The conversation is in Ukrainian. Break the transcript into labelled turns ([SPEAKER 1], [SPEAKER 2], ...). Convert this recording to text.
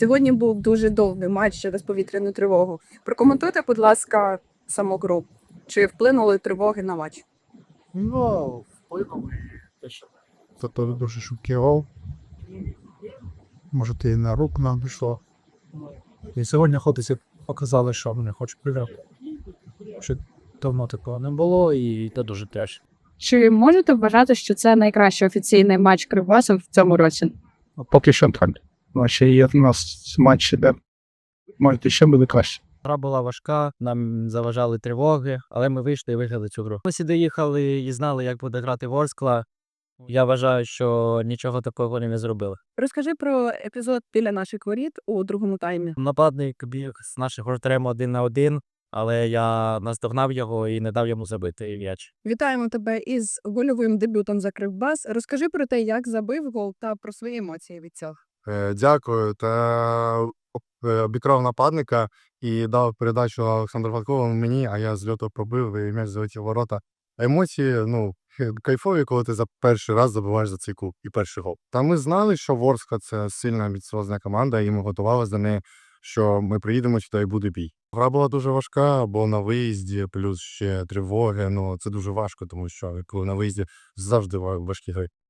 [SPEAKER 1] Сьогодні був дуже довгий матч через повітряну тривогу. Прокоментуйте, будь ласка, саму гру. Чи вплинули тривоги на матч?
[SPEAKER 2] Ну, вплинули те, що це теж дуже швидкий гол. Може, і на руку нам пішло. І сьогодні хлопці показали, що вони хочуть приграти. Що давно такого не було, і це дуже теж.
[SPEAKER 1] Чи можете вважати, що це найкращий офіційний матч Кривбасу в цьому році?
[SPEAKER 2] Поки що так. Ну, ще є в нас матчі, де може ще буде краще.
[SPEAKER 3] Гра була важка, нам заважали тривоги, але ми вийшли і виграли цю гру. Ми сюди їхали і знали, як буде грати Ворскла. Я вважаю, що нічого такого вони не зробили.
[SPEAKER 1] Розкажи про епізод біля наших воріт у другому таймі.
[SPEAKER 3] Нападник біг з наших воротарем 1 на 1, але я наздогнав його і не дав йому забити м'яч.
[SPEAKER 1] Вітаємо тебе із гольовим дебютом за Кривбас. Розкажи про те, як забив гол та про свої емоції від цього.
[SPEAKER 4] Дякую. Та обікрав нападника і дав передачу Олександру Фатковому мені, а я з льоту пробив і м'яч залетів в ворота. Емоції, кайфові, коли ти за перший раз забиваєш за цей клуб і перший гол. Та ми знали, що Ворскла – це сильна амбіціозна команда, і ми готувалися до неї, що ми приїдемо сюди і буде бій. Гра була дуже важка, бо на виїзді, плюс ще тривоги. Це дуже важко, тому що коли на виїзді завжди важкі гри.